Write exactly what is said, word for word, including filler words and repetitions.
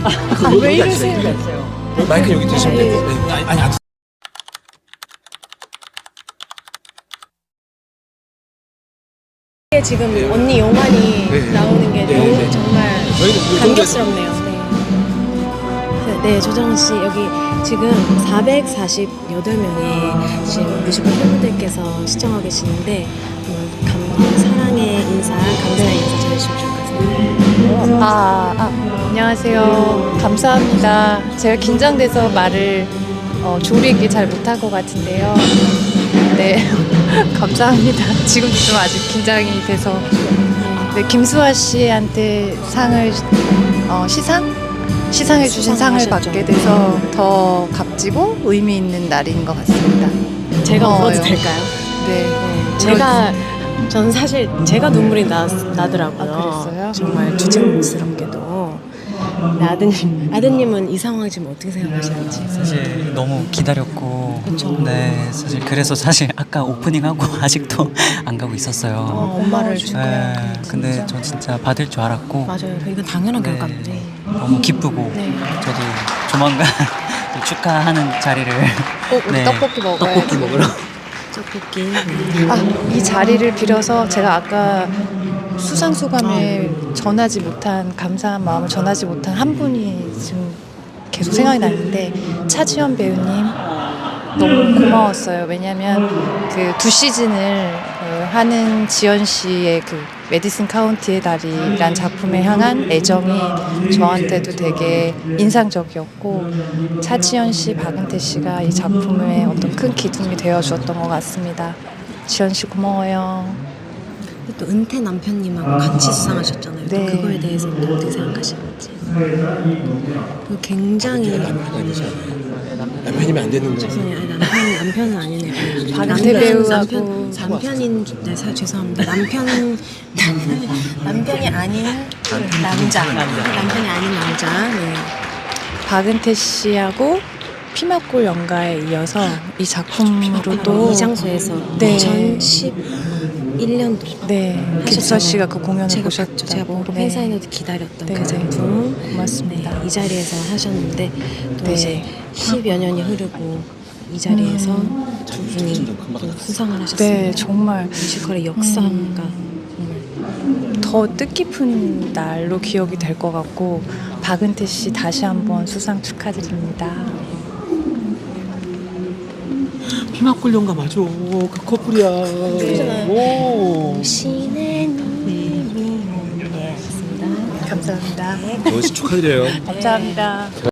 아, 왜 이러세요? 마이크 여기 드시면 되고. 네. 아니, 아니, 안 지금 언니 용환이 네. 나오는 게 네, 너무 네. 정말 저희는 이 감격스럽네요. 네. 네, 조정은 씨 여기 지금 사백사십팔 명의 지금 뮤지컬 팬분들께서 시청하고 계시는데 감, 사랑의 인사, 감사의 인사 전해주시면 좋을 것 같습니다. 아, 아, 안녕하세요. 감사합니다. 제가 긴장돼서 말을 어, 조리게 잘 못할 것 같은데요. 네, 감사합니다. 지금도 좀 아직 긴장이 돼서. 네, 김수아 씨한테 상을, 어, 시상? 시상해주신 상을 받게 돼서 더 값지고 의미 있는 날인 것 같습니다. 제가 고마워요. 울어도 될까요? 네. 네, 제가 저는 사실 제가 눈물이 나, 나더라고요. 아, 그랬어요? 정말 주책스럽게도. 네, 아드님, 아드님은 이 상황을 지금 어떻게 생각하시는지. 사실 너무 기다렸고 그쵸. 네 사실 그래서 사실 아까 오프닝하고 아직도 안 가고 있었어요. 어, 엄마를 줄 네, 거예요. 근데 저 진짜 받을 줄 알았고 맞아요. 이건 당연한 네, 결과인데. 너무 기쁘고 네. 저도 조만간 또 축하하는 자리를 꼭 우리 떡볶이 먹어야지. 떡볶이 먹으러 떡볶이. 네. 아, 이 자리를 빌어서 제가 아까 수상 소감을 전하지 못한 감사한 마음을 전하지 못한 한 분이 지금 계속 생각이 나는데 차지연 배우님 너무 고마웠어요. 왜냐하면 그 두 시즌을 그 하는 지연 씨의 그 메디슨 카운티의 달이란 작품에 향한 애정이 저한테도 되게 인상적이었고 차지연 씨, 박은태 씨가 이 작품의 어떤 큰 기둥이 되어주었던 것 같습니다. 지연 씨 고마워요. 또 은퇴 남편님하고 같이 수상하셨잖아요. 또 네. 그거에 대해서 또 어떻게 생각하시는지. 그 굉장히 남편이면 안 되는 거지. 죄송해요. 아니, 남편 남편은 아니네요. 박은태 남편, 배우하고 남편 남편인 네, 사, 죄송합니다. 남편 남편이 남편이 아닌 남자 남편이 아닌 남자. 네. 박은태 씨하고 피막골 연가에 이어서 이 작품으로 또 이 장소에서 네. 이천십일 년도 네, 김수아 씨가 그 공연을 제가 보셨다고. 봤죠. 제가 보러 네. 팬사인회도 기다렸던 네, 그 네. 작품. 고맙습니다. 네, 이 자리에서 하셨는데 또 네. 이제 십여 년이 흐르고 이 자리에서 음. 두 분이 또 수상을 하셨습니다. 네, 정말 뮤지컬의 역사가 정말 더 뜻깊은 날로 기억이 될 것 같고 박은태 씨 다시 한번 수상 축하드립니다. 피막골 연가 맞아. 그 커플이야. 오. 신의 님이 네, 맞습니다. 감사합니다. 저 축하드려요. 감사합니다.